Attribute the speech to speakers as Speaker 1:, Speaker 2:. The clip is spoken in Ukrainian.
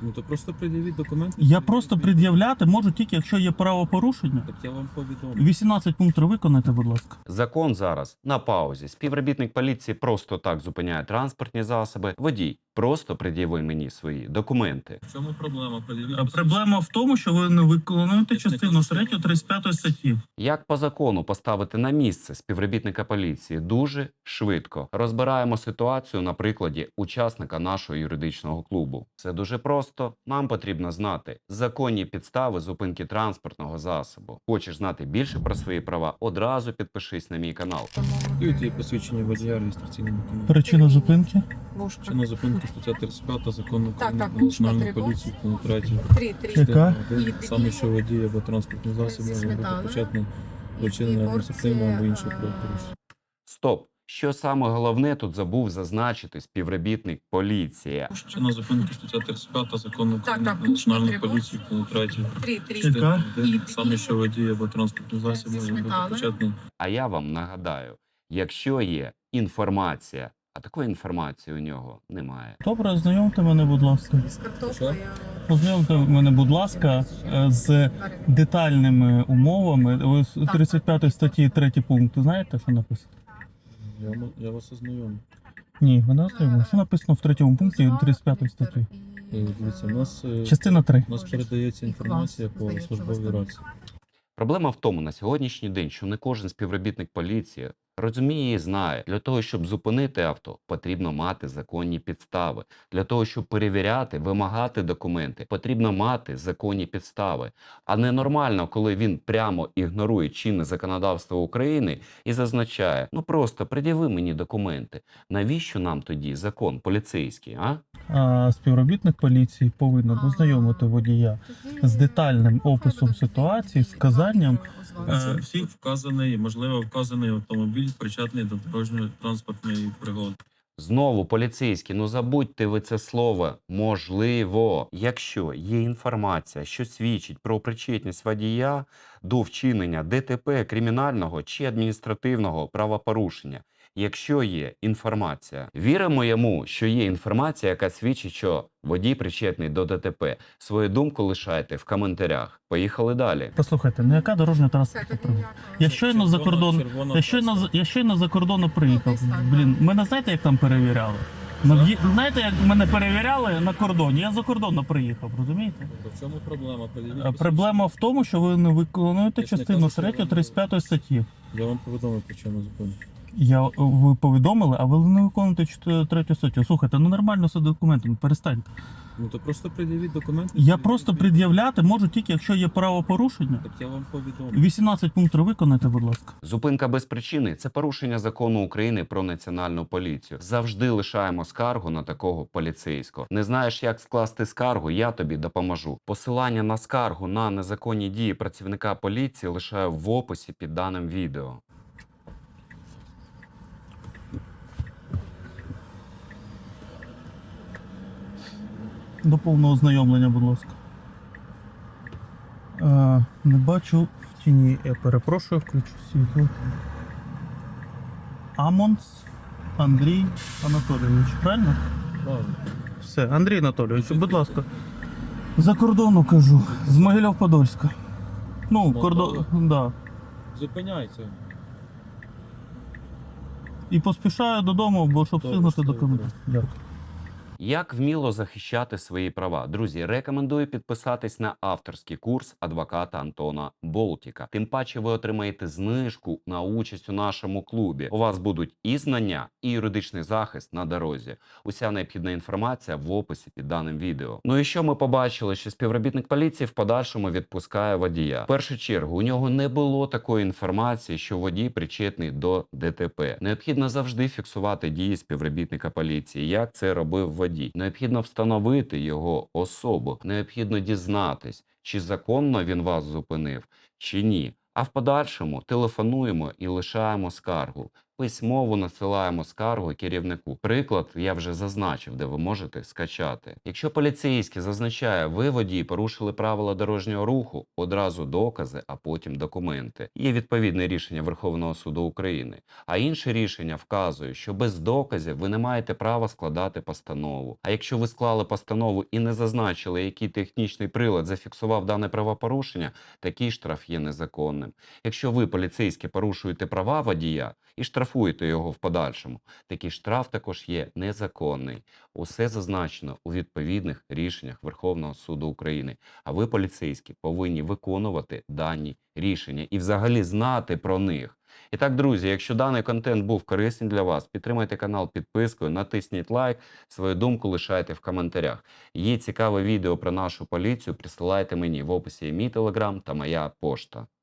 Speaker 1: Ну то просто пред'явіть документи.
Speaker 2: Я просто пред'являти можу тільки, якщо є правопорушення.
Speaker 1: Так я вам повідомлю.
Speaker 2: 18 пунктів виконайте, будь ласка.
Speaker 3: Закон зараз на паузі. Співробітник поліції просто так зупиняє транспортні засоби. Водій, просто пред'яви мені свої документи.
Speaker 1: В чому проблема? Пред'явіть
Speaker 2: Проблема в тому, що ви не виконуєте
Speaker 1: Я ж не
Speaker 2: частину
Speaker 1: кажу, що
Speaker 2: 3
Speaker 1: ви-
Speaker 2: 35 статті.
Speaker 3: Як по закону поставити на місце співробітника поліції дуже швидко. Розбираємо ситуацію на прикладі учасника нашого юридичного клубу. Це дуже просто. Нам потрібно знати законні підстави зупинки транспортного засобу. Хочеш знати більше про свої права? Одразу підпишись на мій канал.
Speaker 1: Дають посвідчення водія реєстраційним документом.
Speaker 2: Причина зупинки?
Speaker 1: Чинна зупинка стаття 35 закону України
Speaker 4: так,
Speaker 1: про
Speaker 4: Бушка,
Speaker 1: національну
Speaker 4: перевоз.
Speaker 1: поліцію, пункт 3.
Speaker 2: Яка?
Speaker 1: Саме що водій або транспортний засіб може бути
Speaker 4: сметани.
Speaker 1: причетний до вчинення адміністративного або іншого правопорушення.
Speaker 3: Стоп! Що саме головне тут забув зазначити співробітник поліції?
Speaker 1: Чинна зупинка стаття 35 закону України
Speaker 4: так,
Speaker 1: про національну
Speaker 4: Бушка,
Speaker 1: поліцію, пункт 3.
Speaker 2: Яка?
Speaker 1: Саме що водій або транспортний засіб може бути
Speaker 4: сметани.
Speaker 1: причетний.
Speaker 3: А я вам нагадаю, якщо є інформація, а такої інформації у нього немає.
Speaker 2: Добре, ознайомте мене, будь ласка.
Speaker 4: З картоплею.
Speaker 2: Ознайомте мене, будь ласка, з детальними умовами. Ви з 35 статті 3 пункт знаєте, що написано?
Speaker 1: Я вас ознайомлю.
Speaker 2: Ні, ви не ознайомили. Що написано в 3 пункті 35 статті?
Speaker 1: Дивіться,
Speaker 2: Частина 3.
Speaker 1: у нас передається інформація по службовій рації.
Speaker 3: Проблема в тому на сьогоднішній день, що не кожен співробітник поліції розуміє і знає, для того, щоб зупинити авто, потрібно мати законні підстави. Для того, щоб перевіряти, вимагати документи, потрібно мати законні підстави. А ненормально, коли він прямо ігнорує чинне законодавство України і зазначає, ну просто пред'яви мені документи. Навіщо нам тоді закон поліцейський, а?
Speaker 2: А співробітник поліції повинен ознайомити водія з детальним описом ситуації, з вказанням
Speaker 1: Всіх вказаний, можливо, вказаний автомобіль причетний до дорожньої транспортної пригоди.
Speaker 3: Знову поліцейські, ну забудьте ви це слово «можливо». Якщо є інформація, що свідчить про причетність водія до вчинення ДТП, кримінального чи адміністративного правопорушення, якщо є інформація, віримо йому, що є інформація, яка свідчить, що водій причетний до ДТП. Свою думку лишайте в коментарях. Поїхали далі.
Speaker 2: Послухайте, ну яка дорожня транспортна пригода? Я щойно за кордон, я щойно за кордону приїхав. Блін, мене знаєте, як там перевіряли? Знаєте, як мене перевіряли на кордоні? Я за кордону приїхав, розумієте?
Speaker 1: В чому проблема? Пред'явіть
Speaker 2: Проблема в тому, що ви не виконуєте
Speaker 1: Я ж не
Speaker 2: частину
Speaker 1: кажу, що
Speaker 2: 3
Speaker 1: ви не
Speaker 2: 35 статті.
Speaker 1: Я вам повідомив причину зупинки.
Speaker 2: Ви повідомили, а ви не виконуєте 3 статтю. Слухайте, ну нормально все документами, перестаньте.
Speaker 1: Ну то просто пред'явіть документи.
Speaker 2: Я просто пред'являти можу тільки, якщо є правопорушення.
Speaker 1: Так я вам повідомлю.
Speaker 2: 18 пунктів виконайте, будь ласка.
Speaker 3: Зупинка без причини – це порушення закону України про національну поліцію. Завжди лишаємо скаргу на такого поліцейського. Не знаєш, як скласти скаргу? Я тобі допоможу. Посилання на скаргу на незаконні дії працівника поліції лишаю в описі під даним відео.
Speaker 2: До повного ознайомлення, будь ласка. Не бачу в тіні. Я перепрошую, включу світло. Амонс Андрій Анатолійович, правильно?
Speaker 1: Правильно.
Speaker 2: Все, Андрій Анатолійович, будь ласка. За кордону кажу, з Могилів-Подольська. Ну, кордон, да.
Speaker 1: Зупиняйте.
Speaker 2: І поспішаю додому, бо щоб
Speaker 1: Добре,
Speaker 2: встигнути
Speaker 1: що ви
Speaker 2: документи. Дякую.
Speaker 3: Як вміло захищати свої права? Друзі, рекомендую підписатись на авторський курс адвоката Антона Болтіка. Тим паче ви отримаєте знижку на участь у нашому клубі. У вас будуть і знання, і юридичний захист на дорозі. Уся необхідна інформація в описі під даним відео. Ну і що ми побачили, що співробітник поліції в подальшому відпускає водія. В першу чергу, у нього не було такої інформації, що водій причетний до ДТП. Необхідно завжди фіксувати дії співробітника поліції, як це робив водій. Необхідно встановити його особу, необхідно дізнатись, чи законно він вас зупинив, чи ні. А в подальшому телефонуємо і лишаємо скаргу. письмово насилаємо скаргу керівнику. Приклад я вже зазначив, де ви можете скачати. Якщо поліцейський зазначає, ви водії порушили правила дорожнього руху, одразу докази, а потім документи. Є відповідне рішення Верховного суду України. А інше рішення вказує, що без доказів ви не маєте права складати постанову. А якщо ви склали постанову і не зазначили, який технічний прилад зафіксував дане правопорушення, такий штраф є незаконним. Якщо ви, поліцейські, порушуєте права водія і штрафуєте його в подальшому, такий штраф також є незаконний. Усе зазначено у відповідних рішеннях Верховного суду України. А ви, поліцейські, повинні виконувати дані рішення і взагалі знати про них. І так, друзі, якщо даний контент був корисний для вас, підтримайте канал підпискою, натисніть лайк, свою думку лишайте в коментарях. Є цікаве відео про нашу поліцію, присилайте мені, в описі є мій телеграм та моя пошта.